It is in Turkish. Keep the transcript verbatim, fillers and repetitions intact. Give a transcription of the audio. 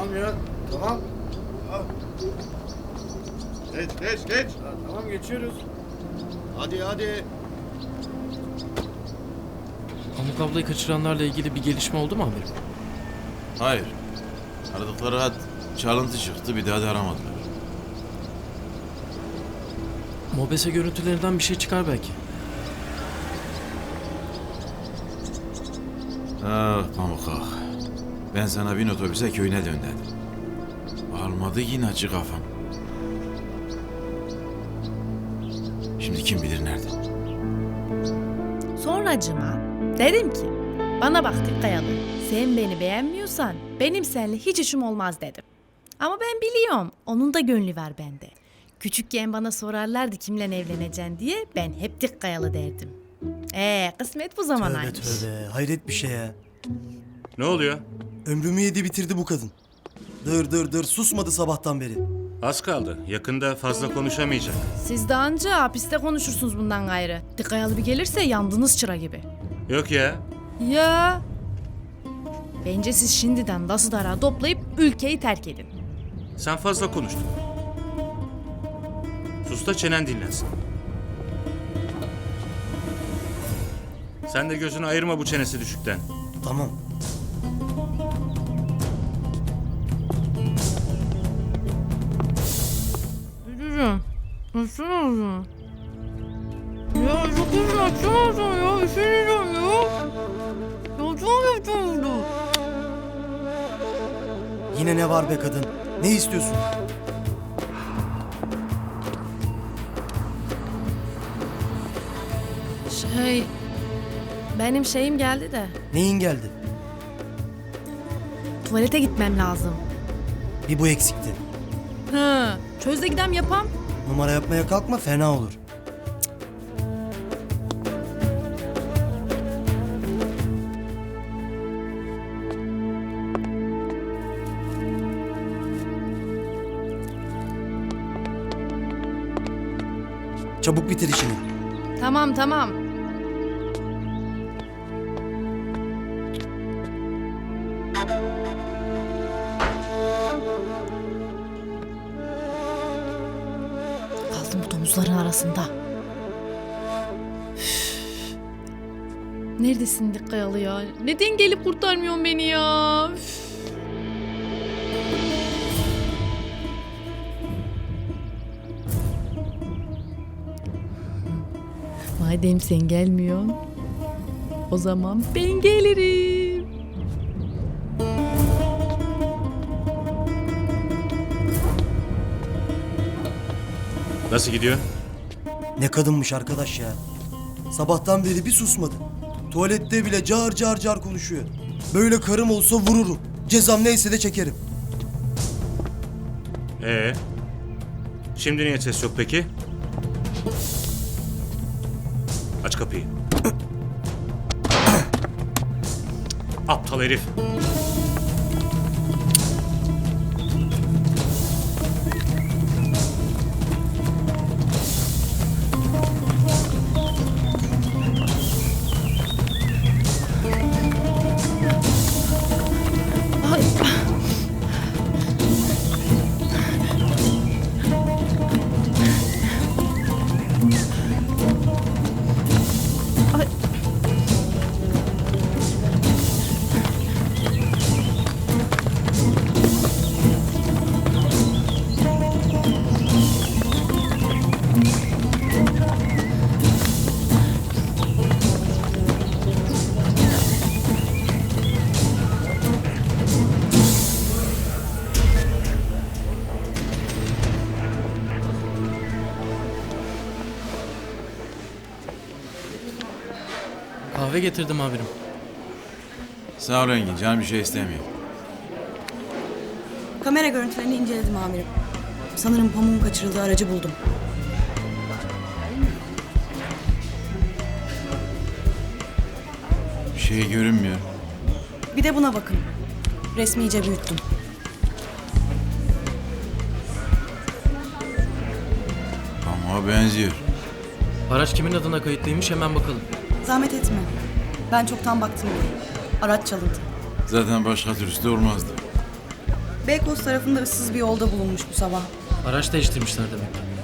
Tamam ya, tamam. Ha, Geç geç geç. ha, tamam geçiyoruz. Hadi hadi. Pamuk ablayı kaçıranlarla ilgili bir gelişme oldu mu amirim? Hayır. Aradıkları hat çalıntı çıktı, bir daha da aramadılar. Mobese görüntülerinden bir şey çıkar belki. Ah Pamuk ah. Ben sana bin otobüse köyüne dön dedim. Almadı yine acı kafam. Şimdi kim bilir nerede? Sonracıma dedim ki bana bak Dikkayalı, sen beni beğenmiyorsan benim seninle hiç işim olmaz dedim. Ama ben biliyorum onun da gönlü var bende. Küçükken bana sorarlardı kimle evleneceksin diye ben hep Dikkayalı derdim. Ee kısmet bu Tövbe zamanaymış. tövbe. Hayret bir şey ya. Ne oluyor? Ömrümü yedi bitirdi bu kadın. Dır dır dır susmadı sabahtan beri. Az kaldı. Yakında fazla konuşamayacak. Siz de anca hapiste konuşursunuz bundan gayrı. Dikkayalı bir gelirse yandınız çıra gibi. Yok ya. Ya. Bence siz şimdiden dası dara toplayıp ülkeyi terk edin. Sen fazla konuştun. Sus da çenen dinlensin. Sen de gözünü ayırma bu çenesi düşükten. Tamam. Müdürüm. Nasıl oldu? Ya çok uzun açamazsın ya. Üşeneceğim ya. Ya çok kötü oldu. Yine ne var be kadın? Ne istiyorsun? Şey... Benim şeyim geldi de. Neyin geldi? Tuvalete gitmem lazım. Bir bu eksikti. Hı. Çöz de gidem yapam. Numara yapmaya kalkma fena olur. Çabuk bitir işini. Tamam tamam. Kaldım bu domuzların arasında. Üf. Neredesin Dikkayalı ya? Neden gelip kurtarmıyorsun beni ya? Üf. Madem sen gelmiyorsun, o zaman ben gelirim. Nasıl gidiyor? Ne kadınmış arkadaş ya. Sabahtan beri bir susmadı. Tuvalette bile car car car konuşuyor. Böyle karım olsa vururum. Cezam neyse de çekerim. Ee? Şimdi niye ses yok peki? Aç kapıyı. Aptal herif. Ay. Ay. Kahve getirdim amirim. Sağ ol Engin, canım bir şey istemiyor. Kamera görüntülerini inceledim amirim. Sanırım pamuğun kaçırıldığı aracı buldum. Bir şey görünmüyor. Bir de buna bakın. Resmi iyice büyüttüm. Ama benziyor. Araç kimin adına kayıtlıymış hemen bakalım. Zahmet etme. Ben çoktan baktım bile. Araç çalındı. Zaten başka türlüsü de olmazdı. Beykoz tarafında ıssız bir yolda bulunmuş bu sabah. Araç değiştirmişler demek.